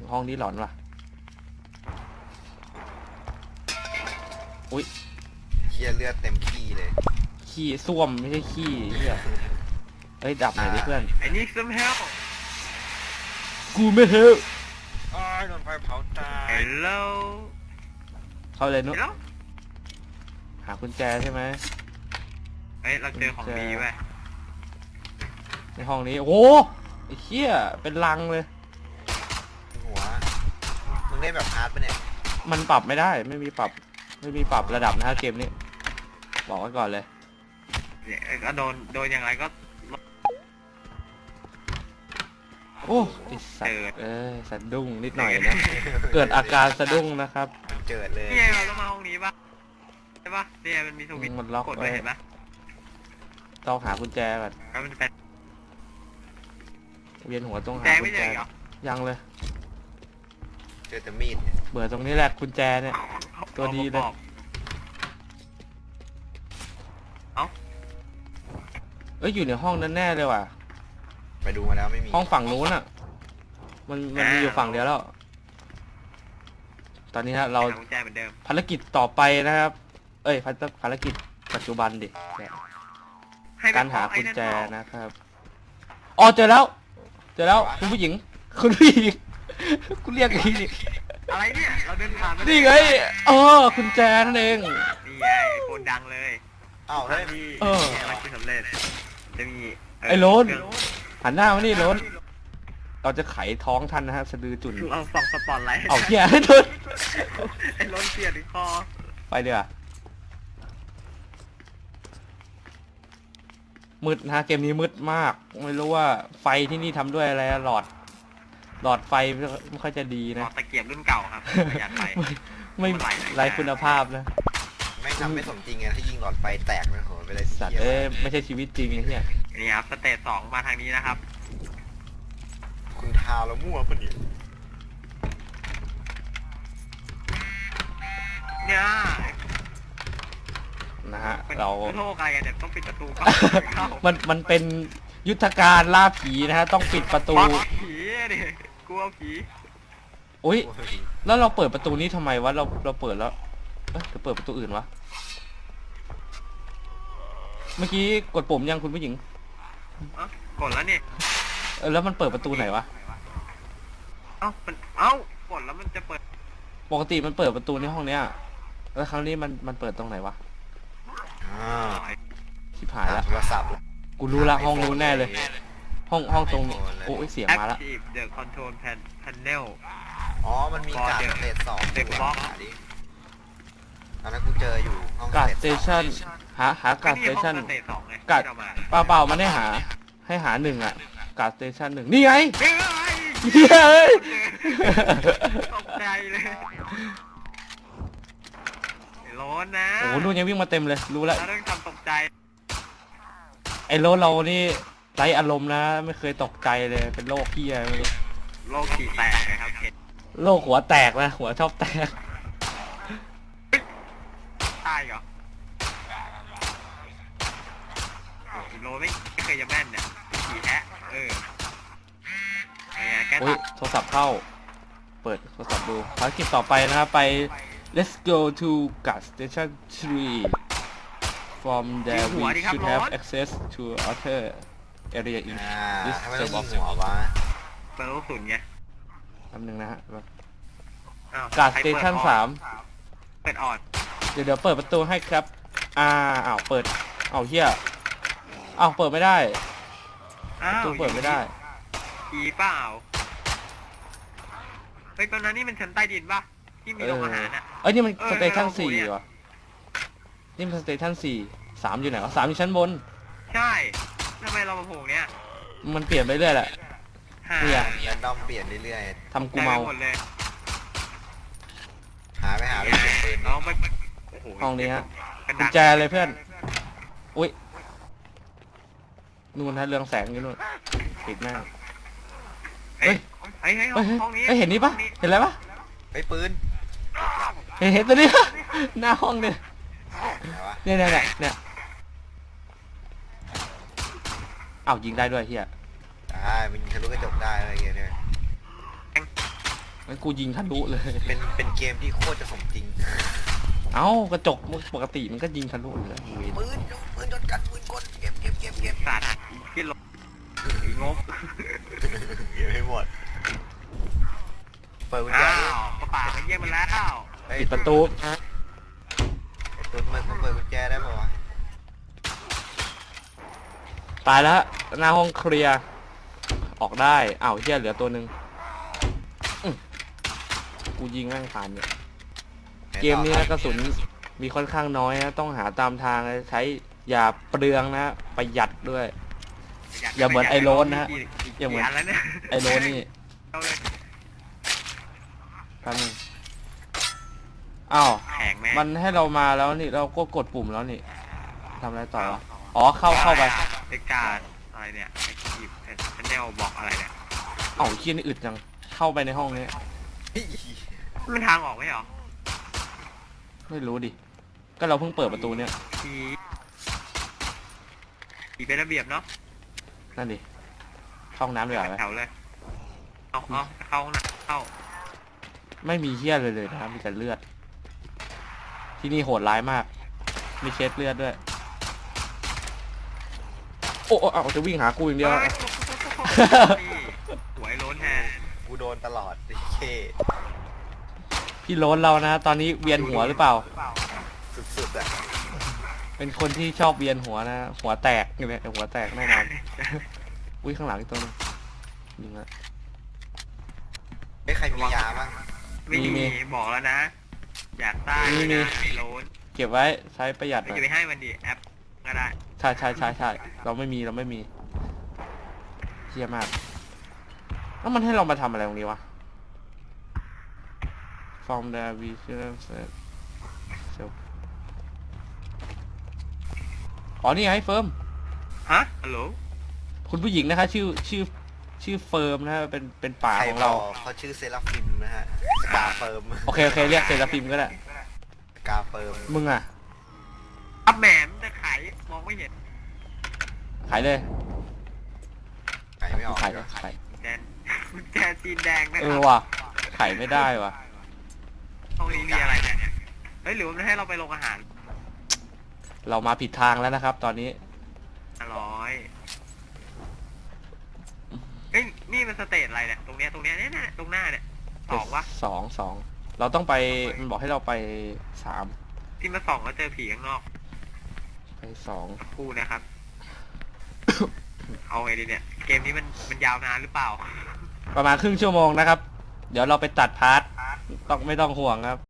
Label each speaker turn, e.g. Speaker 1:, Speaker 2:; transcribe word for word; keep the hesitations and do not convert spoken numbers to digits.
Speaker 1: ห้องนี้หลอนว่ะอุ้ย
Speaker 2: เคียเลือดเต็มขี้เลย
Speaker 1: ขี้ส้วมไม่ใช่ขี้เหี้ยเฮ้ยดับหน่อยดิเพื่อน
Speaker 3: ไอ้นี่ซึมเฮล
Speaker 1: กูไม่เฮล
Speaker 2: อ้าวโดนไฟเผาตาย
Speaker 3: Hello
Speaker 1: เข้าเลยนุ๊ก
Speaker 3: Hello
Speaker 1: หากุญแจใช่ไหม
Speaker 3: เฮ้ยเราเจอของดีเว้ย
Speaker 1: ในห้องนี้โอ้ไอ้เหี้ยเป็นลังเลย
Speaker 2: หัวมึงได้แบบฮาร์ดปะเนี่ย
Speaker 1: มันปรับไม่ได้ไม่มีปรับไม่มีปรับระดับนะฮะเกมนี้บอกไว้ก่อนเลย
Speaker 3: ก็โดนโดนยังไงก็
Speaker 1: โอ้ติดสัตว์เออสะดุ้งนิดหน่อยนะเกิดอาการสะดุ้งนะครับ
Speaker 2: เจิดเลย
Speaker 3: นี่ไงเราต้องมาห้องนี้ปะใช่ปะเนี่ยมันมีสวิตช์
Speaker 1: มันล็อก
Speaker 3: กดไปเห็นปะ
Speaker 1: ต้องหากุญแจก่อน
Speaker 3: แล้วมันเป็น
Speaker 1: เวียนหัวต้องหากุญแจยังเลย
Speaker 2: เจอแต่มีด
Speaker 1: เบื่อตรงนี้แหละกุญแจเนี่ยตัวดีเลย
Speaker 3: เอ้า
Speaker 1: เอ้ยอยู่ในห้องนั้นแน่เลยว่ะ
Speaker 2: ไปดูมาแล้วไม่มี
Speaker 1: ห้องฝั่งนู้นอ่ะมันมันมีอยู่ฝั่งเดียวแล้วตอนนี้ฮะเราภารกิจต่อไปนะครับเอ้ยภารกิจปัจจุบันดิการหากุญแจนะครับอ๋อเจอแล้วเจอแล้วคุณผู้หญิงคุณผู้หญิงคุณเรียกอย่างนี้
Speaker 3: อะไรเนี่ยเราเดินผ่าน
Speaker 1: นี่ไงเออกุญแจนั่นเอง
Speaker 3: นี่ไงโคนดังเลย
Speaker 2: อ้าวเฮ้ย
Speaker 1: เออ
Speaker 3: อะไรที่สำเร็จจะมี
Speaker 1: ไอ้โลนหันหน้ามานี่โลนเราจะไขท้องท่านนะฮะสะดือจุน
Speaker 3: เราส่องสปอตไลท์
Speaker 1: เอาแย่ให้ทุน
Speaker 3: ไอ้โลนเสียดคอ
Speaker 1: ไปเดี๋ยวมืดนะเกมนี้มืดมากไม่รู้ว่าไฟที่นี่ทำด้วยอะไรหลอดหลอดไฟไม่ค่อยจะดีนะ
Speaker 3: ตะเกียบรุ่นเก่าครับประหยัดไฟ
Speaker 1: ไม่ไร้คุณภาพนะ
Speaker 2: ไม่ทำไม่สมจริงไงถ้ายิงหลอดไฟแตกมันโหไปเลย
Speaker 1: สัตว์เอ้ยไม่ใช่ชีวิตจริงไอ้เนี่ย
Speaker 3: นี่ครับสเตจสองมาทางนี้นะครับ
Speaker 2: คุณทาแล้วมั่วปะเนี่ย
Speaker 3: เนี่ย
Speaker 1: นะฮะเรา
Speaker 3: โทษอะไรเนี่ยต้องปิดประตู
Speaker 1: มันมันเป็นยุทธการล่าผีนะฮะต้องปิดประตู
Speaker 3: ผีดิกลัวผี
Speaker 1: อุ้ยแล้วเราเปิดประตูนี้ทำไมวะเราเราเปิดแล้วเอ๊ะจะเปิดประตูอื่นวะเมื่อกี้กดปุ่มยังคุณผู้หญิง
Speaker 3: กดแล้วนี่
Speaker 1: เออแล้วมันเปิดประตูไหนวะ
Speaker 3: เอ้ามันเอ้ากดแล้วมันจะเปิด
Speaker 1: ปกติมันเปิดประตูในห้องเนี้ยแล้วครั้งนี้มันมันเปิดตรงไหนวะ
Speaker 2: อ่า
Speaker 1: ชิบหายแล้ว
Speaker 2: โทรศัพท์
Speaker 1: กูรู้ละห้องนู้นแน่เลยห้องห้องตรงโอ้ยเสียงมาแล้ว
Speaker 3: Active the control panel
Speaker 2: อ๋อมันมีการสเตจสอง
Speaker 3: เด็กบล็อก
Speaker 2: ตอนนั้นกูเจออยู่ห้อง
Speaker 1: การสเตชันหาหาการสเตชันการเปล่าเปล่ามันให้หาให้หาหนึ่งอ่ะการสเตชันหนึ่งนี่ไงเฮ้ย
Speaker 3: ตกใจเลยร้อนนะ
Speaker 1: โอ้โหนู่นยังวิ่งมาเต็มเลยรู้แล้ว
Speaker 3: เราต้องทำตกใจ
Speaker 1: ไอ้โลเรานี่ไร้อารมณ์นะไม่เคยตกใจเลยเป็นโรคขี้อะไรไม่รู้
Speaker 3: โรคขี้แตกนะครับ
Speaker 1: โรคหัวแตกนะหัวชอบแตก
Speaker 3: ตายเหรอโลไม่ไม่เคยจะแม่นเนี่ยขี่แทะเออ
Speaker 1: โอ้ยโทรศัพท์เข้าเปิดโทรศัพท์ดูภารกิจต่อไปนะครับไป let's go to gas station three from there we should have access to other area in this
Speaker 2: server หัววะ
Speaker 3: เปิดลูกสุนไง
Speaker 1: คำหนึ่งนะฮะ gas station สาม
Speaker 3: เปิดออด
Speaker 1: เดี๋ยวเดี๋ยวเปิดประตูให้ครับอ่าอ้าวเปิดอ้าวเฮียอ้าวเปิดไม่ได้ประตูเปิดไม่ได้
Speaker 3: ผีเปล่าเฮ้ยตอนนั้นนี่มันชั้นใต้ดินป่ะที่มีโรงอาหารอ่ะ
Speaker 1: เอ้ยนี่มันสเตชันสี่ว่ะนี่มันสเตชันสี่สามอยู่ไหนวะสามอยู่ชั้นบน
Speaker 3: ใช่ทำไมเรามาโผล่เนี้ย
Speaker 1: มันเปลี่ยนไปเรื่อยแหละ
Speaker 2: เนี่ยแรนดอมเปลี่ยนเรื่อย
Speaker 1: ๆทำกูเมา
Speaker 2: หาไปหาไปเปลี่ยนปืน
Speaker 1: ห้องนี้ฮะกุญแจเลยเพื่อนอุ้ยนู่นฮะเรืองแสงอยู่นู่นปิดหน้า
Speaker 3: เฮ้ยเฮ้ยห้องนี้
Speaker 1: เห็นนี่ปะเห็นอะไรปะ
Speaker 2: ไอ้ปืน
Speaker 1: เห็นเห็นตัวนี้หน้าห้องเนี่ยเนี่ยเนี่ยเนี่ยอ้าวยิงได้ด้วยเฮีย
Speaker 2: ได้มันทะลุกระจกได้อะไรเงี้ยเนี่ย
Speaker 1: กูยิงทะลุเลย
Speaker 2: เป็นเป็นเกมที่โคตรจะสมจริง
Speaker 1: เอ้ากระจกปกติมันก็ยิงทะลุอยู่แล้วเว้ย
Speaker 2: ปืนปืนโดนกันปืนกลเก็บเก็บเก็บเก็บ
Speaker 3: สัตว์ที่ลงอีงบ
Speaker 2: เก็บให้หมดเปิดกุญแจ
Speaker 3: อ้า
Speaker 2: ดิ
Speaker 3: วกระป๋ามันเยี่ยมมาแล้ว
Speaker 2: เฮ้ย
Speaker 1: ปิดประตู
Speaker 2: ไอ้ตุ้นมันมันเปิดกุญแจได้ป่าวะ
Speaker 1: ตายแล้วหน้าห้องเคลียร์ออกได้อ้าวเฮียเหลือตัวหนึ่งอื้อกูยิงแม่งผ่านเนี่ยเกมนี้นะกระสุนมีค่อนข้างน้อยนะต้องหาตามทางใช้อย่าเปลืองนะประหยัดด้วย อย่าเหมือนไอ้โรนนะฮะอย่าเหมือน
Speaker 3: แล้วเนี่ย
Speaker 1: ไอโรนี่
Speaker 3: เอาเลย
Speaker 1: ครับนึงอ้าว
Speaker 3: แข็งแม่
Speaker 1: มันให้เรามาแล้วนี่เราก็กดปุ่มแล้วนี่ทำอะไรต่อวะอ๋อเข้าเข้าไป
Speaker 3: เอกการอะไรเนี่ยไอคีบชันแนลบอกอะไรเนี่ย
Speaker 1: เอ้าเคียนี่อึดจังเข้าไปในห้องนี้
Speaker 3: มันทางออกไหมเหรอ
Speaker 1: ไม่รู้ดิก็เราเพิ่งเปิดประตูเนี่ย
Speaker 3: ทีทีเป็นระเบียบเนาะ
Speaker 1: นั่นดิเข้าห้องน้ำเลยเหรอ
Speaker 3: แถวเลยเอาเอาเข้าห้องน้ำเข้า
Speaker 1: ไม่มีเฮี้ยเลยเลยนะครับมีแต่เลือด ที่นี่โหดร้ายมาก มีเช็ดเลือดด้วย โอ้โอ้เอาจะวิ่งหากูอย่างเดียว
Speaker 3: นี่หวยโล้นแทน
Speaker 2: กูโดนตลอดไอ้เค
Speaker 1: พี่โล้นเรานะ ตอนนี้เวียนหัวหรือเปล่า
Speaker 2: สุดๆอ่ะ
Speaker 1: เป็นคนที่ชอบเวียนหัวนะ หัวแตกอยู่เลยหัวแตกแน่นอน อุ้ยข้างหลังอีกตัวนึงยิงละ
Speaker 2: ไอ้ยใครมียาบ้าง
Speaker 3: ไม่
Speaker 1: มี
Speaker 3: มีบอกแล้วนะ อยากได้
Speaker 1: มีมี
Speaker 3: นะไอ้โล้น
Speaker 1: เก็บไว้ใช้ประหยัดห
Speaker 3: ไม่
Speaker 1: น่อ
Speaker 3: จะ
Speaker 1: ย
Speaker 3: ไปให้มันดิแอปก็ได้
Speaker 1: ใช่ใช่ใช่ใช่เราไม่มีเราไม่มีเฮี้ยมากแล้วมันให้เรามาทำอะไรตรงนี้วะ from the vision set อ๋อนี่ไงเฟิร์ม
Speaker 3: ฮะฮัลโหล
Speaker 1: คุณผู้หญิงนะคะชื่อชื่อชื่อเฟิร์มนะฮะเป็นเป็นป่า
Speaker 2: ใคร
Speaker 1: ของ
Speaker 2: บอ
Speaker 1: เรา
Speaker 2: กเขาชื่อเซราฟิมนะฮะกาเฟิร์ม
Speaker 1: โอเคโอเคเรียกเซราฟิมก็ได้
Speaker 2: กาเฟิร์ม
Speaker 1: มึงอ่ะ
Speaker 3: อัพแหมมจะขายมองไม่เห็น
Speaker 1: ขายเลย
Speaker 2: ขายไม่ออก
Speaker 1: ขายเลยขาย
Speaker 3: แจนกุญแจจีนแดงนะ
Speaker 1: เอ
Speaker 3: ค
Speaker 1: อ
Speaker 3: รับ
Speaker 1: ว่ะขายไม่ได้ว่ะ
Speaker 3: ห้องนี้มีอะไรเนี่ยเฮ้ยหรือว่ามันให้เราไปโรงอาหาร
Speaker 1: เรามาผิดทางแล้วนะครับ ตอนนี้
Speaker 3: อร่อยเฮ้ยนี่มันสเตจอะไรเนี่ยตรงเนี้ยตรงเนี้ยเนี่ยเนี่ยตรงหน้าเนี่ยสองวะ
Speaker 1: สองสองเราต้องไปมันบอกให้เราไปสาม
Speaker 3: ที่มาสองแล้วเจอผีข้างนอก
Speaker 1: ไปสอง
Speaker 3: สักครู่นะครับ เอาไงดีเนี่ย เกมนี้มันมันยาวนานหรือเปล่า
Speaker 1: ประมาณครึ่งชั่วโมงนะครับ เดี๋ยวเราไปตัดพาร์ทต้องไม่ต้องห่วงครับ